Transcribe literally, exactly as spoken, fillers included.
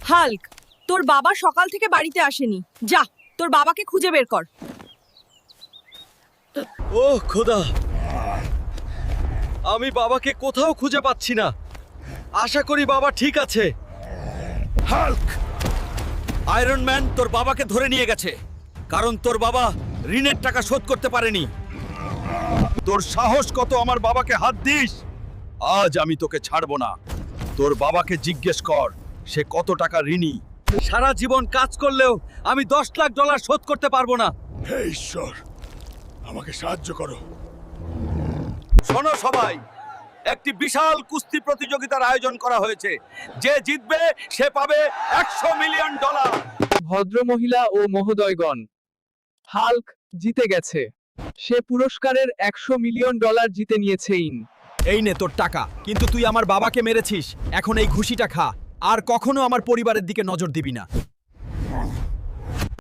Hulk, তোর বাবা সকাল থেকে বাড়িতে আসেনি। যা, তোর বাবাকে খুঁজে বের কর। ওহ খোদা, আমি বাবাকে কোথাও খুঁজে পাচ্ছি না। আশা করি বাবা ঠিক আছে। হাল্ক, আয়রন ম্যান তোর বাবাকে ধরে নিয়ে গেছে, কারণ তোর বাবা ঋণের টাকা শোধ করতে পারেনি। তোর সাহস কত আমার বাবাকে হাত দিস? আজ আমি তোকে ছাড়বো না। তোর বাবাকে জিজ্ঞেস কর সে কত টাকা ঋণী। সারা জীবন কাজ করলেও আমি দশ লাখ ডলার শোধ করতে পারবো না। হে ঈশ্বর, আমাকে সাহায্য করো। শোনো সবাই, একটি বিশাল কুস্তি প্রতিযোগিতার আয়োজন করা হয়েছে। যে জিতবে সে পাবে একশো মিলিয়ন ডলার। ভদ্রমহিলা ও মহোদয়গণ, হাল্ক জিতে গেছে। সে পুরস্কারের একশো মিলিয়ন ডলার জিতে নিয়েছে। ইন এই নে তোর টাকা, কিন্তু তুই আমার বাবাকে মেরেছিস। এখন এই ঘুষিটা খা, আর কখনো আমার পরিবারের দিকে নজর দিবি না।